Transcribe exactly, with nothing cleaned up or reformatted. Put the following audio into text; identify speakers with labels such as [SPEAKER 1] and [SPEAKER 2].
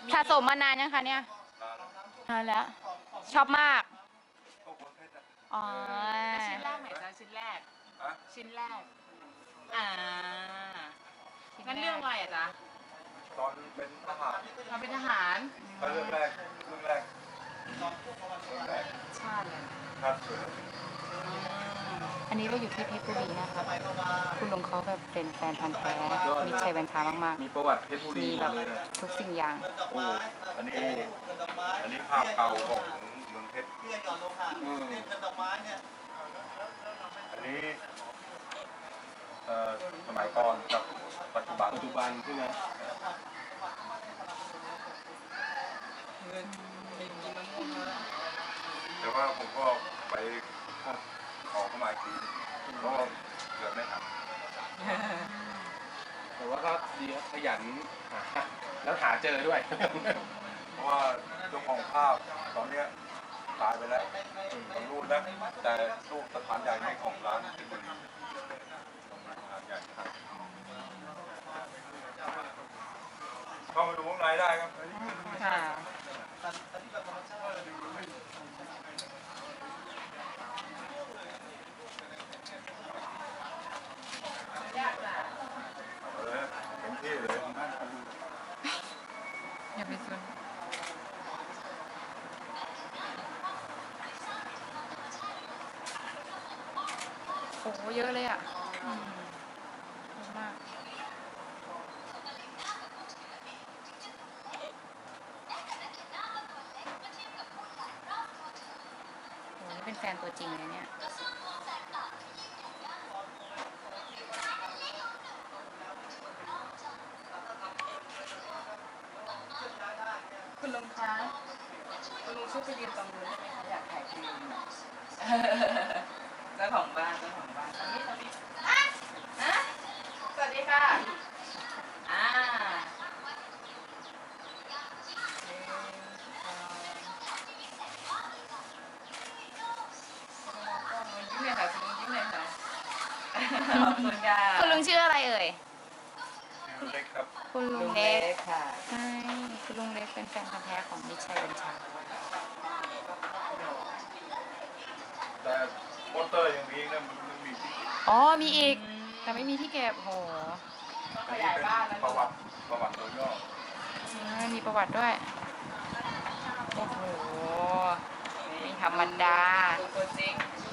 [SPEAKER 1] สะสมมานานยังคะเนี่ยนานแล้ว ชอบมาก อ๋อ
[SPEAKER 2] ชิ้นแรกไหนจ๊ะชิ้นแรก ชิ้นแรก อ่างั้นเรื่องอะไรอ่ะจ๊ะ
[SPEAKER 3] ตอนเป็นทหาร
[SPEAKER 2] เราเป็นทหาร
[SPEAKER 3] ก็เรื่องแรกเรื่องแรกเรื่องแรก
[SPEAKER 2] ชาติเลย
[SPEAKER 3] ครับเสือ
[SPEAKER 1] อันนี้เราอยู่ที่เพชรบุรีนะคะ คุณลุงเขาแบบเป็นแฟนพันธุ์แท้มิตรชัยบัญชามาก
[SPEAKER 3] มีประวัติเพชรบุ
[SPEAKER 1] ๆ
[SPEAKER 3] รี
[SPEAKER 1] มีแบบทุกสิ่งอย่าง
[SPEAKER 3] โอ้อันนี้อันนี้ภาพเก่าของเมืองเพชรอืมอันนี้เอ่อสมัยก่อนกับปัจจุบันปัจจุบันใช่ไหมแต่ว่าผมก็ไปขอเข้ามาอีกทีเพราะเกิดไม่ทัน
[SPEAKER 4] แต่ว่าก็ดีครับขยันหาแล้วหาเจอด้วย
[SPEAKER 3] เพราะว่าเจ้าของภาพตอนเนี้ยตายไปแล้วผมรู้นะแต่รูปสถานใหญ่ในของร้านที่บุรีสถานใหญ่ครับเข้ามาดูข้างในได้ครับ
[SPEAKER 1] ค่ะ
[SPEAKER 3] เออเต็มที่เลย
[SPEAKER 1] อย่าไปสนโอ้โหเยอะเลยอ่ะอืมเยอะมากโอ้นี่เป็นแฟนตัวจริงเลยเนี่ย
[SPEAKER 2] คุณลุงคะ คุณลุงช่วยไปยืนตรงนู้นได้ไหมคะอยากถ่ายคลิปเจ้าของบ้านเจ้าของบ้านตอนนี้ตอนนี้ฮะสวัสดีค่ะ อ่ายิ้มเลยค่ะคุณลุงยิ้มเลยค่ะขอบคุณค่ะ
[SPEAKER 1] คุณลุงชื่ออะไรเอ่ย
[SPEAKER 3] ชื่อเล็กครับ
[SPEAKER 1] คุณลุ
[SPEAKER 2] ลุ
[SPEAKER 1] ง
[SPEAKER 2] ง
[SPEAKER 1] เล็
[SPEAKER 2] เล็
[SPEAKER 1] ก
[SPEAKER 2] กค่ะ
[SPEAKER 1] ใช่คุณลุงเล็กเป็นแฟนพันธุ์แท้ของมิตรชัยบัญชา
[SPEAKER 3] แต่มอเตอร์ยังมีนะมันมันมีที่
[SPEAKER 1] อ๋อ มีอีก แต่ไม่มีที่เก็บโห
[SPEAKER 2] ขยายบ้านแล้ว
[SPEAKER 3] ประวัติประวัติโดยย่อ
[SPEAKER 1] อ่ามีประวัติด้วย โอ้โห ไม่ธรรมดา
[SPEAKER 2] ตัวจริง